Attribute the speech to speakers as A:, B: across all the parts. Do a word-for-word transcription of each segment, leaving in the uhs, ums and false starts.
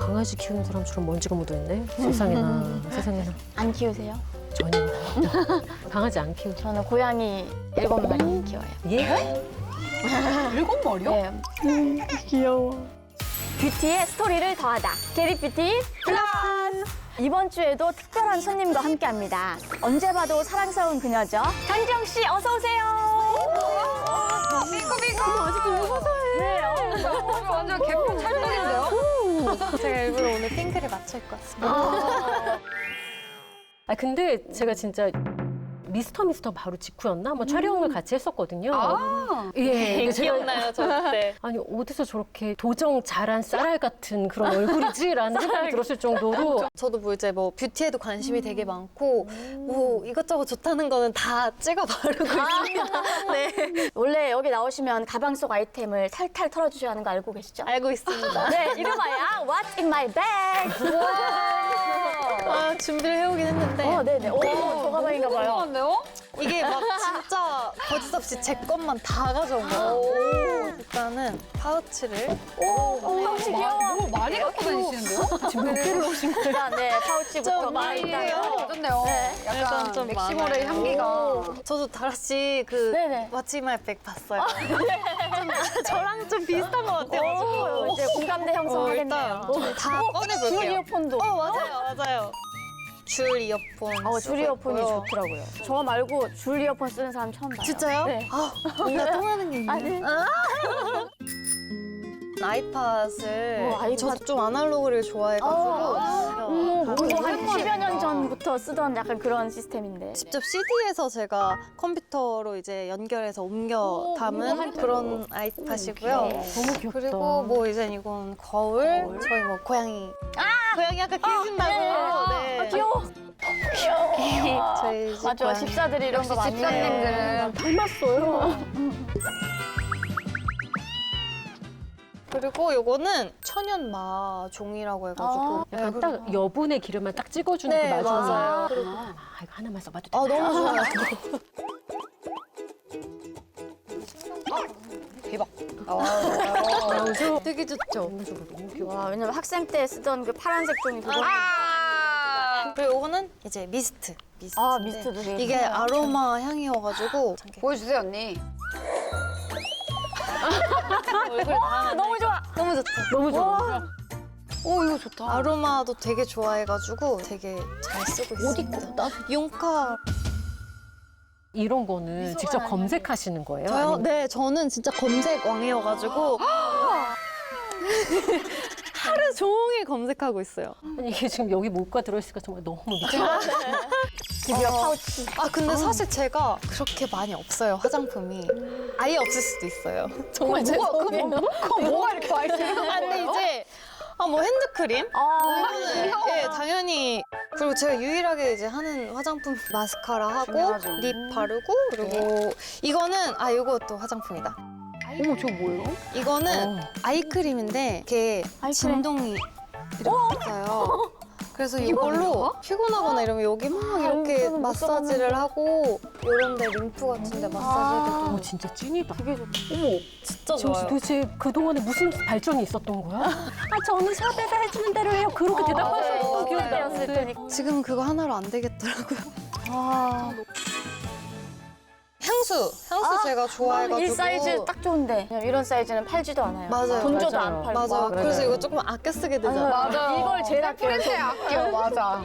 A: 강아지 키우는 사람처럼 먼지가 묻어있네. 세상에나, 세상에나.
B: 안 키우세요?
A: 전혀. 강아지 안 키우죠.
B: 저는 고양이 일곱 마리 키워요.
A: 예?
C: 일곱 마리요?
B: 네.
A: 음, 귀여워.
B: 뷰티의 스토리를 더하다. 게리뷰티 플러스! 이번 주에도 특별한 손님과 함께합니다. 언제 봐도 사랑스러운 그녀죠. 강지영 씨, 어서 오세요.
C: 빙고빙고. 아직도 웃어서해.
B: 네, 어,
C: 완전 개콘 찰떡인데요?
D: 제가 일부러 오늘 핑크를 맞출 것 같습니다.
A: 아 근데 제가 진짜 미스터 미스터 바로 직후였나? 뭐 촬영을 같이 했었거든요.
C: 아,
A: 예, 제가-
D: 기억나요, 저 그때.
A: 아니 어디서 저렇게 도정 잘한 쌀알 같은 그런 얼굴이지라는 생각이 들었을 정도로
D: 저도 뭐 이제 뭐 뷰티에도 관심이 되게 많고 뭐 이것저것 좋다는 거는 다 찍어 바르고 있습니다. 네,
B: 원래 여기 나오시면 가방 속 아이템을 탈탈 털어주셔야 하는 거 알고 계시죠?
D: 알고 있습니다.
B: 네, 이름하여 What's in my bag?
D: 아, 준비를 해오긴 했는데
B: 어, 네네. 오, 저 가방인가 봐요.
C: 궁금한데요?
D: 이게 막 진짜 거짓 없이 제 것만 다 가져온 거예요. 일단은 파우치를
B: 오, 파우치 귀여워.
C: 너무 많이 갖고 다니시는데요?
A: 지금 몇 개를 오신 거예요?
B: 일단 네, 파우치부터
D: 좀
B: 많이
D: 많이
B: 있다요.
D: 해요.
C: 어쩐데요?
B: 네.
C: 약간
D: 일단 좀
C: 맥시멀의
D: 많아요.
C: 향기가.
D: 저도 다라씨 그
B: 네네.
D: 마치마이백 봤어요. 좀 저랑 좀 비슷한 것 같아가지고
B: 오, 이제 공감대 형성하겠네요.
D: 어, 일단 다
B: 줄
D: 꺼내볼게요.
B: 이어폰도.
D: 어, 맞아요, 맞아요. 줄 이어폰.
B: 어, 줄
D: 쓰고
B: 이어폰이
D: 있고요.
B: 좋더라고요. 저 말고 줄 이어폰 쓰는 사람 처음 봐요.
D: 진짜요?
B: 네.
D: 아, 뭔가 통하는 게 있네요.
B: 아, 네.
D: 아이팟을
B: 어, 아이팟.
D: 저도 좀 아날로그를 좋아해가지고
B: 어,
D: 어,
B: 뭐
D: 가끔
B: 한 십여 년 전부터 쓰던 약간 그런 시스템인데.
D: 직접 씨디에서 제가 컴퓨터로 이제 연결해서 옮겨 담은 그런 아이팟이고요.
A: 너무 귀엽다.
D: 그리고 뭐 이제 이건 거울, 저희 뭐 고양이. 고양이 아까 키우신다고. 네.
B: 아, 귀여워. 귀여워.
D: 저희 집
B: 맞아,
D: 고양이.
B: 집사들이 이런 거 많이
C: 집사님들은
B: 닮았어요.
D: 그리고 요거는 천연마 종이라고 해가지고. 네,
A: 약간 딱 여분의 기름만 딱 찍어주는
D: 네,
A: 그 마지막.
D: 맞아요.
A: 아, 이거 하나만 써봐도 돼.
D: 아, 너무 좋아요.
A: 나오죠?
D: 되게 좋죠.
A: 너무 좋아, 너무 귀여워.
B: 와, 왜냐면 학생 때 쓰던 그 파란색 종이 그거.
C: 아,
D: 그리고 요거는 이제 미스트. 미스트.
B: 아, 미스트도 되게
D: 이게
B: 좋네요.
D: 아로마 향이어가지고
C: 보여주세요, 언니.
D: 얼굴 다
B: 너무 좋아.
D: 너무 좋죠.
A: 너무 좋아.
C: 오, 이거 좋다.
D: 아로마도 되게 좋아해가지고 되게 잘 쓰고 있습니다. 용카.
A: 이런 거는 직접
B: 아니에요?
A: 검색하시는 거예요?
D: 저요?
A: 아니면-
D: 네, 저는 진짜 검색 왕이어가지고 하루 종일 검색하고 있어요.
A: 아니, 이게 지금 여기 뭐가 들어있을까 정말 너무 미쳐.
B: 드디어 파우치.
D: 아, 근데 사실 제가 그렇게 많이 없어요, 화장품이. 아예 없을 수도 있어요. 정말 죄송해요.
C: 뭐가 이렇게 많이 쓰는
D: 아, 근데 이제 아, 뭐 핸드크림?
B: 아,
D: 네, 당연히. 그리고 제가 유일하게 이제 하는 화장품 마스카라 하고
B: 중요하죠.
D: 립 바르고 그리고 이거는 아, 이것도 화장품이다.
C: 어머, 저거 뭐예요?
D: 이거는
A: 어.
D: 아이크림인데 이게
B: 아이크림.
D: 진동이 이렇게 있어요. 그래서 이걸로 피곤하거나 이러면 여기 막 이렇게
B: 저는 못
D: 마사지를 하고 이런 데 림프 같은 데 마사지 해도
A: 어, 진짜 찐이다.
B: 되게 좋다.
D: 진짜
A: 지영 씨
D: 좋아요.
A: 도대체 그동안에 무슨 발전이 있었던 거야? 아, 저는 샵에서 해주는 대로 해요. 그렇게 대답하셨던 기억이
B: 어, 였을
A: 나는데.
B: 테니까.
D: 지금 그거 하나로 안 되겠더라고요.
B: 아,
D: 향수! 향수 제가 좋아해가지고.
B: 이 사이즈 딱 좋은데. 왜냐면 이런 사이즈는 팔지도 않아요.
D: 맞아요.
B: 돈 줘도
A: 맞아요.
B: 안 팔고.
D: 맞아요.
A: 그래.
D: 그래서 이거 조금 아껴 쓰게 되잖아요.
C: 맞아요.
B: 이걸 제일 아껴요.
C: 프린트에 아껴, 맞아.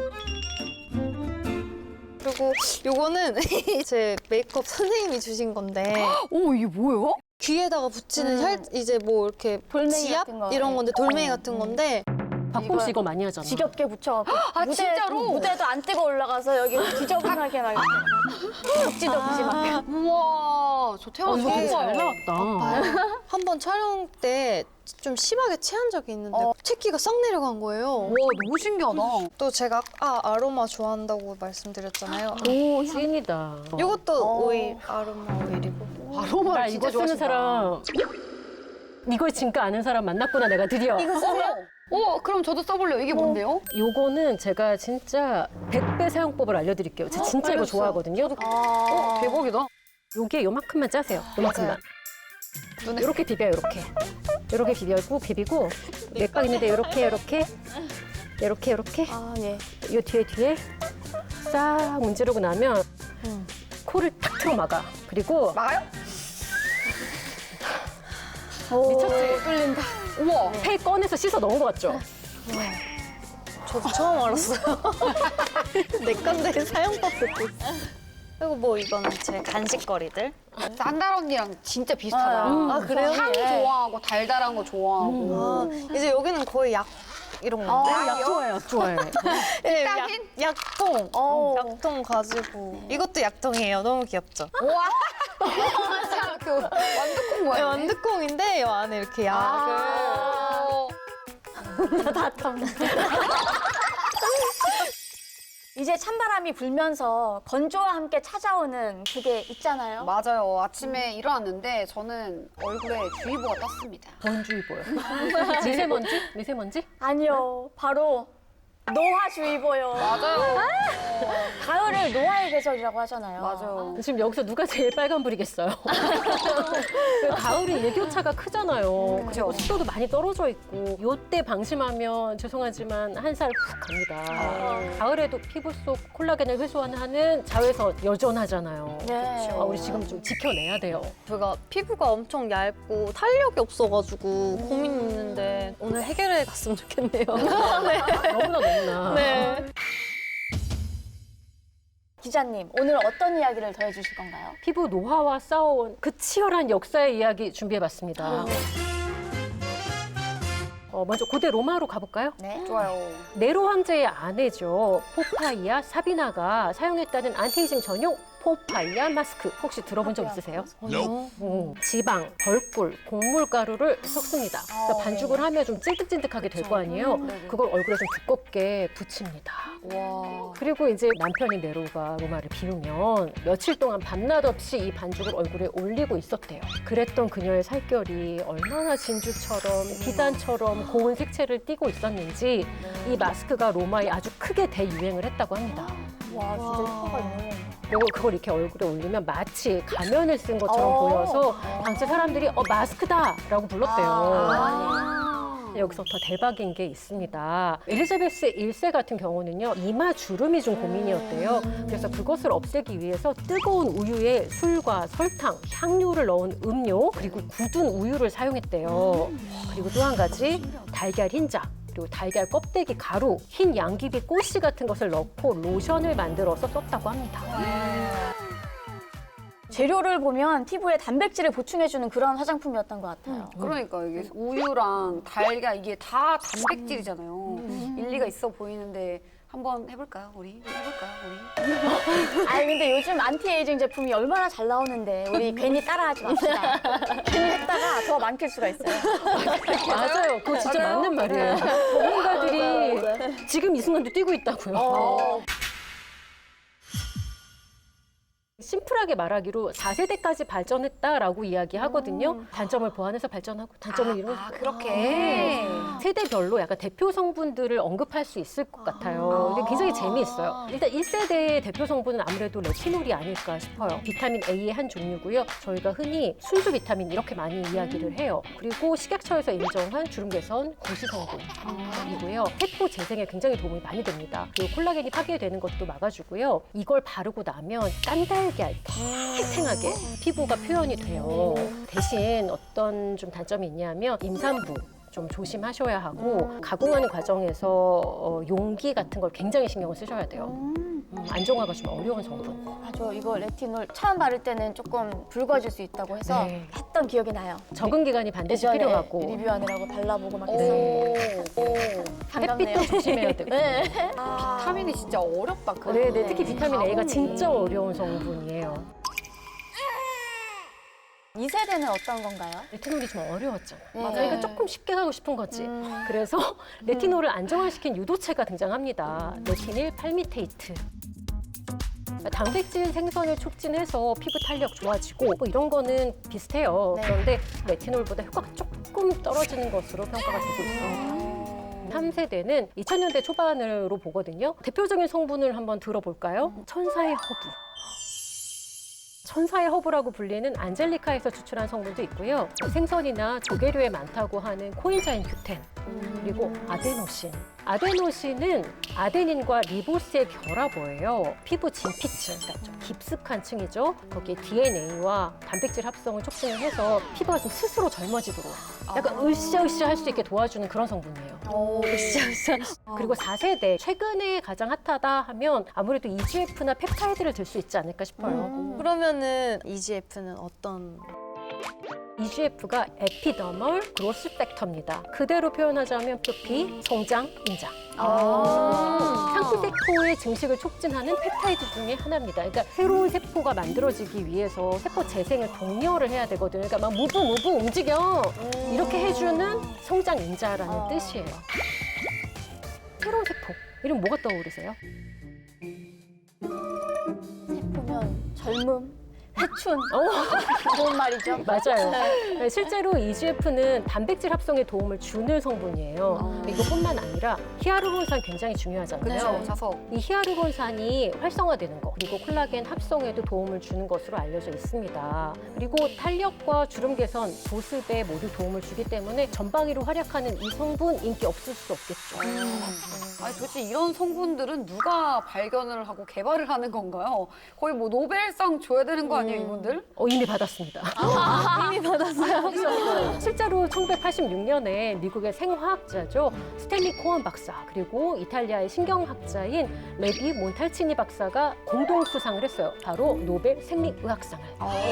D: 그리고 요거는 제 메이크업 선생님이 주신 건데
C: 오, 이게 뭐예요?
D: 귀에다가 붙이는
B: 음.
D: 살 이제 뭐 이렇게
B: 돌멩이
D: 지압
B: 같은 거.
D: 이런 건데 돌멩이
B: 음,
D: 같은
B: 음.
D: 건데
A: 박범 씨 이거 많이 하잖아.
B: 지겹게 붙여갖고.
C: 아,
B: 무대,
C: 진짜로?
B: 무대도 안 뜨고 올라가서 여기 지저분하게 막 이렇게. 덕지덕지
D: 아.
B: 막.
C: 우와, 저
A: 어,
C: 태어나서
A: 이거 되게
C: 처음
A: 잘
C: 봐요.
A: 나왔다.
D: 한 번 촬영 때 좀 심하게 체한 적이 있는데
B: 어.
D: 채기가 싹 내려간 거예요.
C: 와, 너무 신기하다.
D: 또 제가 아 아로마 좋아한다고 말씀드렸잖아요.
B: 오,
A: 찐이다.
D: 이것도
B: 어.
D: 오일 아로마 오일이고.
A: 나
C: 아로마를
A: 이거
C: 진짜
A: 쓰는
C: 좋아하신다.
A: 사람, 이걸 진짜 아는 사람 만났구나, 내가 드디어.
C: 어, 그럼 저도 써볼래요. 이게 뭔데요?
A: 요거는 제가 진짜 백 배 사용법을 알려드릴게요. 제가 진짜 이거
C: 알려주세요.
A: 좋아하거든요.
B: 아,
C: 대박이다.
A: 요게 요만큼만 짜세요. 요만큼만. 이렇게 비벼요, 이렇게. 이렇게 비벼고 비비고 맥박 있는데 이렇게 이렇게 이렇게 이렇게
B: 아, 예.
A: 이 뒤에 뒤에 싹 문지르고 나면
B: 음.
A: 코를 탁 틀어 막아. 그리고
C: 막아요?
A: 미쳤지?
B: 뚫린다.
C: 우와.
A: 폐 꺼내서 씻어 넣은 거 같죠?
D: 저도 처음 알았어요. 내 건데 사용법 듣고 있어. 그리고 뭐 이거는 제 간식거리들.
C: 산달 언니랑 진짜 비슷하다.
B: 아,
D: 아, 그래요?
C: 향
D: 예.
C: 좋아하고 달달한 거 좋아하고.
D: 아, 이제 여기는 거의 약 이런 건데.
C: 아,
A: 약 좋아해요, 약 좋아해.
D: 네, 약,
C: 비타민?
D: 약통.
B: 어.
D: 약통 가지고. 이것도 약통이에요. 너무 귀엽죠?
C: 우와. 맞아. 그 완두콩
D: 네,
C: 뭐야?
D: 완두콩인데 이 안에 이렇게 약을.
C: 아.
B: 이제 찬바람이 불면서 건조와 함께 찾아오는 그게 있잖아요.
C: 맞아요. 아침에 일어났는데 저는 얼굴에 주의보가 떴습니다.
A: 번주의보요. 미세먼지? 미세먼지?
B: 아니요, 바로 노화주의보요.
C: 맞아요.
B: 가을을 노화의 계절이라고 하잖아요.
C: 맞아요.
A: 지금 여기서 누가 제일 빨간불이겠어요? 가을이 일교차가 크잖아요. 그리고 습도도 많이 떨어져 있고 요때 방심하면 죄송하지만 한 살 훅 갑니다. 가을에도 피부 속 콜라겐을 회수하는 자외선 여전하잖아요.
B: 네.
A: 아, 우리 지금 좀 지켜내야 돼요.
D: 제가 피부가 엄청 얇고 탄력이 없어가지고 고민이 있는데 오늘 해결해 갔으면 좋겠네요.
A: 너무나 너무나.
D: 네.
B: 기자님, 오늘 어떤 이야기를 더해주실 건가요?
A: 피부 노화와 싸워온 그 치열한 역사의 이야기 준비해봤습니다. 어, 먼저 고대 로마로 가볼까요?
B: 네.
C: 좋아요.
A: 네로 황제의 아내죠. 포파이아 사비나가 사용했다는 안티에이징 전용 포파이아 마스크. 혹시 들어본 적 있으세요? 음, 지방, 벌꿀, 곡물가루를 섞습니다. 그러니까 반죽을 하면 좀 찐득찐득하게 될 거 아니에요? 그걸 얼굴에 좀 두껍게 붙입니다.
C: 와.
A: 그리고 이제 남편인 네로가 로마를 비우면 며칠 동안 밤낮 없이 이 반죽을 얼굴에 올리고 있었대요. 그랬던 그녀의 살결이 얼마나 진주처럼 비단처럼 고운 색채를 띠고 있었는지 이 마스크가 로마에 아주 크게 대유행을 했다고 합니다.
B: 와, 진짜 효과가 있네.
A: 그리고 그걸 이렇게 얼굴에 올리면 마치 가면을 쓴 것처럼
B: 어.
A: 보여서 당시 사람들이 어 마스크다라고 불렀대요.
B: 아.
A: 여기서 더 대박인 게 있습니다. 엘리자베스 일 세 같은 경우는요, 이마 주름이 좀 고민이었대요. 그래서 그것을 없애기 위해서 뜨거운 우유에 술과 설탕, 향료를 넣은 음료, 그리고 굳은 우유를 사용했대요. 그리고 또 한 가지, 달걀 흰자. 그리고 달걀 껍데기 가루, 흰 양귀비 꽃씨 같은 것을 넣고 로션을 만들어서 썼다고 합니다.
B: 재료를 보면 피부에 단백질을 보충해주는 그런 화장품이었던 것 같아요.
C: 그러니까 이게 우유랑 달걀 이게 다 단백질이잖아요. 일리가 있어 보이는데 한번 해볼까요, 우리? 해볼까요, 우리?
B: 아니 근데 요즘 안티에이징 제품이 얼마나 잘 나오는데 우리 괜히 따라하지 맙시다. 괜히 했다가 더 많길 수가 있어요.
A: 맞아요. 그거 진짜
C: 맞아요?
A: 맞는 말이에요. 전문가들이 지금 이 순간도 뛰고 있다고요. 심플하게 말하기로 사 세대까지 발전했다라고 이야기하거든요. 단점을 보완해서 발전하고 단점을 이루는
C: 아, 그렇게.
A: 세대별로 약간 대표 성분들을 언급할 수 있을 것 같아요. 근데 굉장히 재미있어요. 일단 일 세대의 대표 성분은 아무래도 레티놀이 아닐까 싶어요. 비타민 A의 한 종류고요. 저희가 흔히 순수 비타민 이렇게 많이 이야기를 해요. 그리고 식약처에서 인정한 주름 개선 고시 성분이고요. 세포 재생에 굉장히 도움이 많이 됩니다. 그리고 콜라겐이 파괴되는 것도 막아주고요. 이걸 바르고 나면 깐달걀 탱탱하게 피부가 표현이 돼요. 대신 어떤 좀 단점이 있냐면 임산부 좀 조심하셔야 하고 가공하는 과정에서 어, 용기 같은 걸 굉장히 신경을 쓰셔야 돼요. 음, 안정화가 좀 어려운 성분.
B: 맞아, 이거 레티놀 처음 바를 때는 조금 붉어질 수 있다고 해서
A: 네.
B: 했던 기억이 나요.
A: 적응 기간이 반드시
B: 예전에
A: 필요하고
B: 리뷰하느라고 발라보고 막 했었는데
C: 오, 오.
B: 반갑네요.
A: 햇빛도 조심해야 되고.
B: 네.
C: 비타민이 진짜 어렵다. 그거.
A: 네, 네, 특히 비타민 A가
C: 가공이.
A: 진짜 어려운 성분이에요.
B: 이 세대는 어떤 건가요?
A: 레티놀이 좀 어려웠잖아요.
B: 네.
A: 그러니까 조금 쉽게 하고 싶은 거지.
B: 음.
A: 그래서 레티놀을 안정화시킨 유도체가 등장합니다. 레티닐 팔미테이트. 단백질 생성을 촉진해서 피부 탄력 좋아지고 뭐 이런 거는 비슷해요.
B: 네.
A: 그런데 레티놀보다 효과가 조금 떨어지는 것으로 평가가 되고 있어요. 삼 세대는 이천 년대 초반으로 보거든요. 대표적인 성분을 한번 들어볼까요? 천사의 허브. 천사의 허브라고 불리는 안젤리카에서 추출한 성분도 있고요. 생선이나 조개류에 많다고 하는 코인자인 규텐, 그리고 아데노신. 아데노신은 아데닌과 리보스의 결합어예요. 피부 진피층, 그러니까 좀 깊숙한 층이죠. 거기에 디엔에이와 단백질 합성을 촉진을 해서 피부가 좀 스스로 젊어지도록 약간 으쌰으쌰 할 수 있게 도와주는 그런 성분이에요.
B: 오, 으쌰으쌰.
A: 그리고 사 세대, 최근에 가장 핫하다 하면 아무래도 이지에프나 펩타이드를 들 수 있지 않을까 싶어요.
D: 그러면은 이지에프는 어떤?
A: 이지에프가 에피더멀 그로스 팩터입니다. 그대로 표현하자면 표피, 성장, 인장.
B: 아.
A: 상피세포의 증식을 촉진하는 펩타이드 중에 하나입니다. 그러니까 새로운 세포가 만들어지기 위해서 세포 재생을 독려를 해야 되거든요. 그러니까 막 무브 무브 움직여 이렇게 해주는 성장 인자라는 뜻이에요. 새로운 세포 이름 뭐가 떠오르세요?
B: 보면 젊음, 회춘. 좋은 말이죠.
A: 맞아요. 네, 실제로 이지에프는 단백질 합성에 도움을 주는 성분이에요. 이것뿐만 아니라 히아루론산 굉장히 중요하잖아요.
C: 그렇죠. 자석.
A: 이 히아루론산이 활성화되는 거, 그리고 콜라겐 합성에도 도움을 주는 것으로 알려져 있습니다. 그리고 탄력과 주름 개선, 보습에 모두 도움을 주기 때문에 전방위로 활약하는 이 성분 인기 없을 수 없겠죠.
C: 아니 도대체 이런 성분들은 누가 발견을 하고 개발을 하는 건가요? 거의 뭐 노벨상 줘야 되는 거 아니에요, 이분들?
A: 어, 이미 받았습니다.
B: 이미 받았어요.
A: 실제로 천구백팔십육 년에 미국의 생화학자죠. 스탠리 코언 박사, 그리고 이탈리아의 신경학자인 레비 몬탈치니 박사가 공동 수상을 했어요. 바로 노벨 생리의학상을.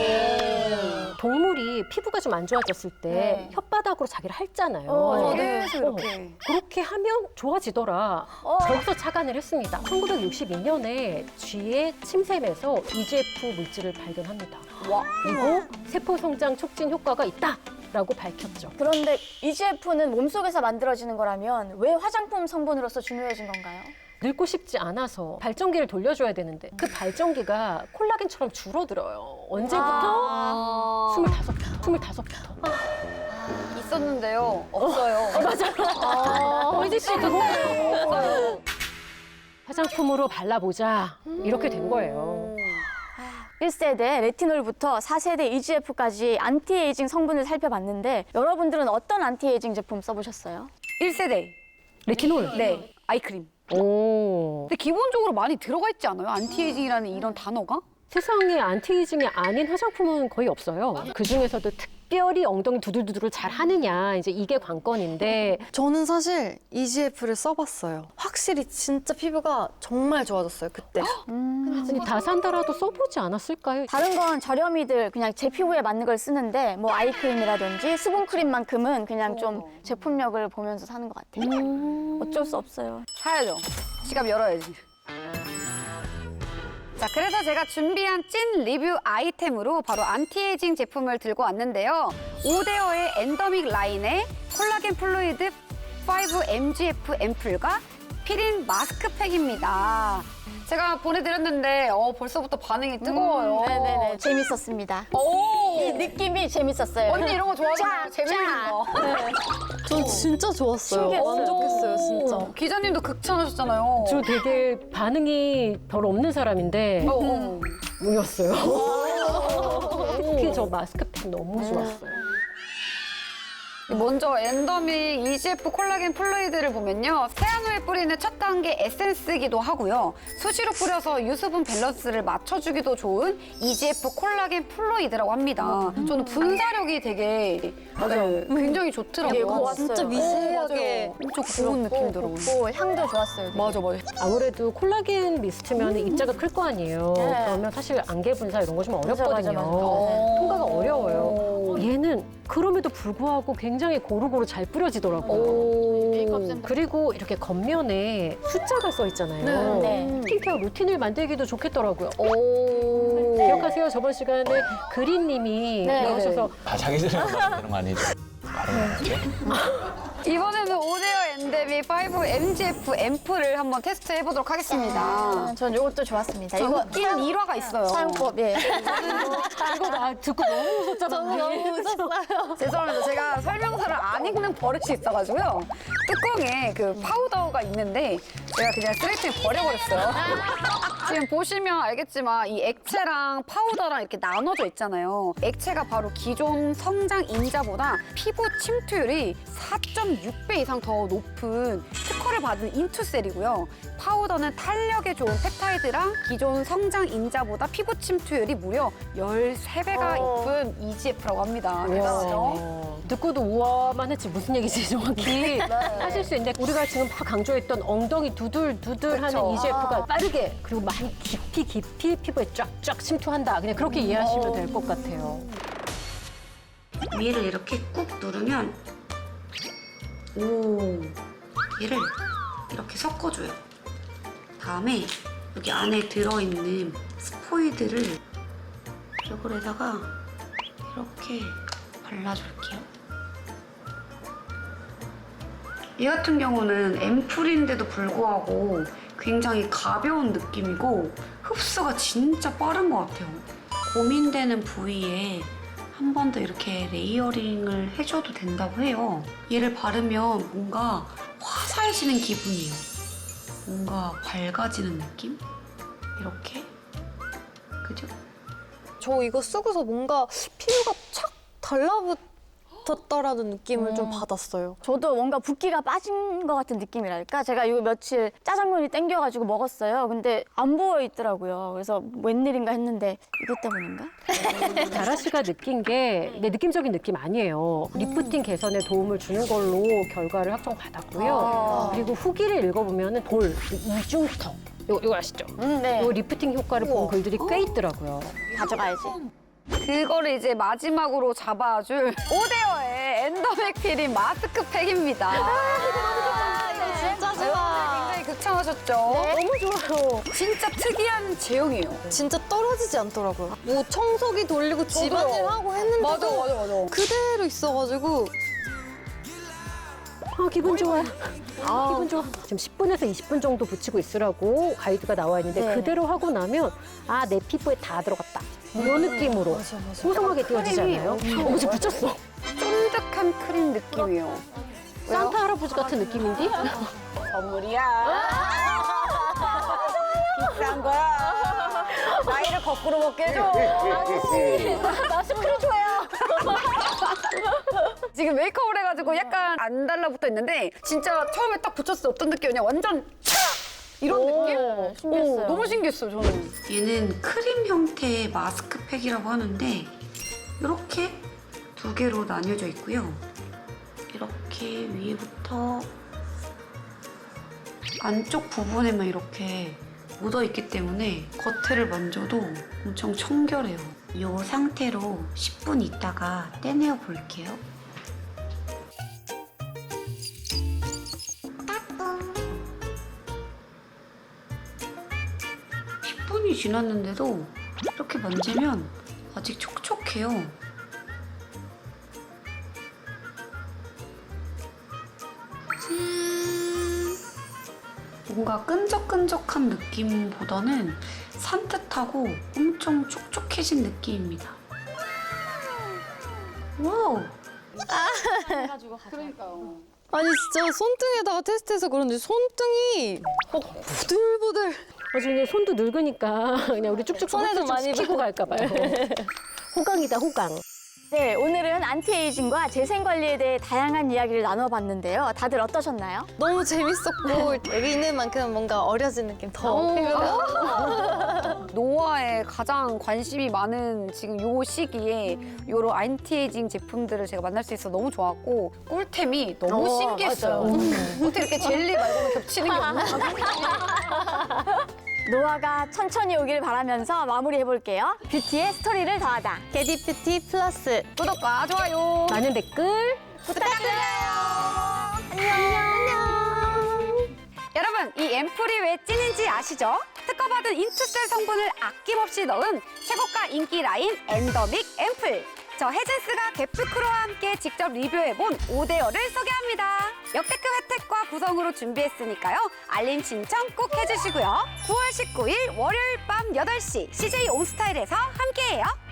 A: 동물이 피부가 좀 안 좋아졌을 때
B: 네.
A: 혓바닥으로 자기를 핥잖아요.
B: 어,
C: 네.
A: 어,
C: 이렇게.
A: 그렇게 하면 좋아지더라.
B: 어.
A: 거기서 착안을 했습니다. 천구백육십이 년에 쥐의 침샘에서 이지에프 물질을 발견합니다.
C: 와.
A: 그리고 세포 성장 촉진 효과가 있다라고 밝혔죠.
B: 그런데 이지에프는 몸속에서 만들어지는 거라면 왜 화장품 성분으로서 중요해진 건가요?
A: 늙고 싶지 않아서 발전기를 돌려줘야 되는데 그 발전기가 콜라겐처럼 줄어들어요. 언제부터?
C: 아.
A: 스물다섯부터. 스물다섯부터.
C: 있었는데요. 없어요.
A: 어, 혜지 씨 그거예요. 화장품으로 발라보자 이렇게 된 거예요.
B: 일 세대 레티놀부터 사 세대 이지에프까지 안티에이징 성분을 살펴봤는데 여러분들은 어떤 안티에이징 제품 써보셨어요?
C: 일 세대.
A: 레티놀.
C: 네. 아이크림.
A: 오.
C: 근데 기본적으로 많이 들어가 있지 않아요? 안티에이징이라는 이런 단어가?
A: 세상에 안티에이징이 아닌 화장품은 거의 없어요. 그 중에서도 특별히 엉덩이 두들두들을 잘 하느냐 이제 이게 관건인데
D: 저는 사실 이지에프를 써봤어요. 확실히 진짜 피부가 정말 좋아졌어요, 그때.
A: 아니, 다 산다라도 써보지 않았을까요?
B: 다른 건 저렴이들 그냥 제 피부에 맞는 걸 쓰는데 뭐 아이크림이라든지 수분크림만큼은 그냥 좀 제품력을 보면서 사는 것 같아요. 어쩔 수 없어요.
C: 사야죠. 지갑 열어야지. 자, 그래서 제가 준비한 찐 리뷰 아이템으로 바로 안티에이징 제품을 들고 왔는데요. 오데어의 엔더믹 라인의 콜라겐 플루이드 오 엠지에프 앰플과 피린 마스크팩입니다. 제가 보내드렸는데 어, 벌써부터 반응이 뜨거워요.
B: 음, 네네네. 재밌었습니다.
C: 오!
B: 이 느낌이 재밌었어요.
C: 언니 이런 거 좋아하잖아요.
B: 쫙,
C: 재밌는
B: 쫙.
C: 거.
D: 전 진짜 좋았어요.
B: 신기했어요.
D: 만족했어요, 진짜.
C: 기자님도 극찬하셨잖아요.
A: 저 되게 반응이 별 없는 사람인데
C: 어, 어.
A: 우였어요. 특히 저 마스크팩 너무 좋았어요.
C: 먼저 엔더믹 이지에프 콜라겐 플루이드를 보면요. 세안 후에 뿌리는 첫 단계 에센스이기도 하고요. 수시로 뿌려서 유수분 밸런스를 맞춰주기도 좋은 이지에프 콜라겐 플루이드라고 합니다. 저는 분사력이 되게 네, 굉장히 좋더라고요.
B: 되게 고왔어요.
D: 진짜 미세하게.
C: 어, 엄청 좋은 느낌 들어요.
B: 고 향도 좋았어요. 되게.
C: 맞아, 맞아.
A: 아무래도 콜라겐 미스트면 입자가 클 거 아니에요.
B: 네.
A: 그러면 사실 안개 분사 이런 거 좀
B: 맞아,
A: 어렵거든요.
B: 맞아, 맞아.
A: 통과가
C: 오.
A: 어려워요. 얘는 그럼에도 불구하고 굉장히 고루고루 잘 뿌려지더라고요. 그리고 이렇게 겉면에 숫자가 써 있잖아요.
B: 네.
A: 스킨케어 루틴을 만들기도 좋겠더라고요.
B: 오.
A: 기억하세요? 저번 시간에 그린님이
B: 네.
A: 나오셔서
E: 아, 자기 전에 만드는 거 아니죠? 바로 나왔죠?
C: 이번에는 오데어 엔데믹 파이브 엠지에프 앰플을 한번 테스트 해보도록 하겠습니다.
B: 아, 전 이것도 좋았습니다.
C: 저
B: 이거
C: 웃긴 일화가 있어요.
B: 사용법, 예.
A: 이거 나 듣고 너무 웃었잖아.
B: 저도 너무 웃었어요.
C: 죄송합니다. 제가 설명서를 안 읽는 버릇이 있어가지고요. 뚜껑에 그 파우더가 있는데 제가 그냥 쓰레기통에 버려버렸어요. 지금 보시면 알겠지만 이 액체랑 파우더랑 이렇게 나눠져 있잖아요. 액체가 바로 기존 성장 인자보다 피부 침투율이 사 점 육 배 이상 더 높은 특허를 받은 인투셀이고요. 파우더는 탄력에 좋은 펩타이드랑 기존 성장 인자보다 피부 침투율이 무려 열세 배가
B: 어.
C: 높은 이지에프라고 합니다. 대단하죠?
A: 와, 듣고도 우와만 했지 무슨 얘기지 정확히 하실 수 있는데 우리가 지금 막 강조했던 엉덩이 두들두들하는
C: 그쵸.
A: 이지에프가 빠르게 그리고 많이 깊이 깊이 피부에 쫙쫙 침투한다. 그냥 그렇게 이해하시면 될 것 같아요.
E: 위를 이렇게 꾹 누르면 오 얘를 이렇게 섞어줘요. 다음에 여기 안에 들어있는 스포이드를 얼굴에다가 이렇게 발라줄게요. 이 같은 경우는 앰플인데도 불구하고 굉장히 가벼운 느낌이고 흡수가 진짜 빠른 것 같아요. 고민되는 부위에 한 번 더 이렇게 레이어링을 해줘도 된다고 해요. 얘를 바르면 뭔가 화사해지는 기분이에요. 뭔가 밝아지는 느낌? 이렇게. 그죠?
D: 저 이거 쓰고서 뭔가 피부가 착 달라붙었다라는 느낌을 좀 받았어요.
B: 저도 뭔가 붓기가 빠진 것 같은 느낌이랄까? 제가 이거 며칠 짜장면이 땡겨가지고 먹었어요. 근데 안 보여 있더라고요. 그래서 웬일인가 했는데 이것 때문인가?
A: 다라 씨가 느낀 게 내 느낌적인 느낌 아니에요. 리프팅 개선에 도움을 주는 걸로 결과를 확정받았고요.
B: 아.
A: 그리고 후기를 읽어보면 볼, 이중턱, 이거, 이거 아시죠?
B: 음, 네.
A: 이 리프팅 효과를 본 글들이 꽤 있더라고요.
B: 가져가야지.
C: 그거를 이제 마지막으로 잡아줄 오데어의 엔더맥 필인 마스크팩입니다.
D: 아, 이거 진짜 좋아.
C: 굉장히 극찬하셨죠?
B: 너무 좋아요.
C: 진짜 특이한 제형이에요.
D: 진짜 떨어지지 않더라고요. 뭐 청소기 돌리고 집안일 하고 했는데도
C: 맞아, 맞아, 맞아.
D: 그대로 있어가지고
A: 아, 기분 좋아요. 아, 기분 좋아. 지금 십 분에서 이십 분 정도 붙이고 있으라고 가이드가 나와 있는데
B: 네.
A: 그대로 하고 나면 아, 내 피부에 다 들어갔다. 이런 느낌으로 소성하게 띄워지잖아요. 어머, 지금 붙였어.
C: 쫀득한 크림 느낌이에요.
A: 산타 할아버지 같은 느낌인데?
C: 선물이야. 비싼 거야. 나이를 거꾸로 먹게 해줘. 아저씨,
B: 마스크를 줘요.
C: 지금 메이크업을 해가지고 약간 안 달라붙어 있는데 진짜 처음에 딱 붙였을 때 어떤 느낌이냐 완전 촥! 이런 느낌?
B: 신기했어요.
C: 오, 너무 신기했어요, 저는.
E: 얘는 크림 형태의 마스크팩이라고 하는데 이렇게 두 개로 나뉘어져 있고요. 이렇게 위에부터 안쪽 부분에만 이렇게 묻어있기 때문에 겉을 만져도 엄청 청결해요. 이 상태로 십 분 있다가 떼내어 볼게요. 십 분이 지났는데도 이렇게 만지면 아직 촉촉해요. 음, 뭔가 끈적끈적한 느낌보다는 산뜻하고 엄청 촉촉해진 느낌입니다. 와우!
C: 그러니까요.
D: 아니 진짜 손등에다가 테스트해서 그런지 손등이 막 부들부들.
A: 나중에 손도 늙으니까 그냥 우리 쭉쭉
D: 손에 좀 많이
A: 시키고 갈까 봐요. 호강이다, 호강.
B: 네, 오늘은 안티에이징과 재생 관리에 대해 다양한 이야기를 나눠봤는데요. 다들 어떠셨나요?
D: 너무 재밌었고 여기 있는 만큼 뭔가 어려진 느낌 더.
C: 노화에 가장 관심이 많은 지금 요 시기에 요런 안티에이징 제품들을 제가 만날 수 있어서 너무 좋았고 꿀템이 너무
B: 어,
C: 신기했어요. 어떻게 이렇게 젤리 말고는 겹치는 게 없나?
B: 노화가 천천히 오길 바라면서 마무리해볼게요. 뷰티의 스토리를 더하다.
D: 게디뷰티 플러스.
C: 구독과 좋아요.
A: 많은 댓글
B: 부탁드려요. 안녕.
C: 여러분, 이 앰플이 왜 찐인지 아시죠? 특허받은 인투셀 성분을 아낌없이 넣은 최고가 인기 라인 엔더믹 앰플. 저 혜진스가 개프크로와 함께 직접 리뷰해본 오데어를 소개합니다. 역대급 혜택과 구성으로 준비했으니까요. 알림 신청 꼭 해주시고요. 구월 십구일 월요일 밤 여덟 시 씨제이 온스타일에서 함께해요.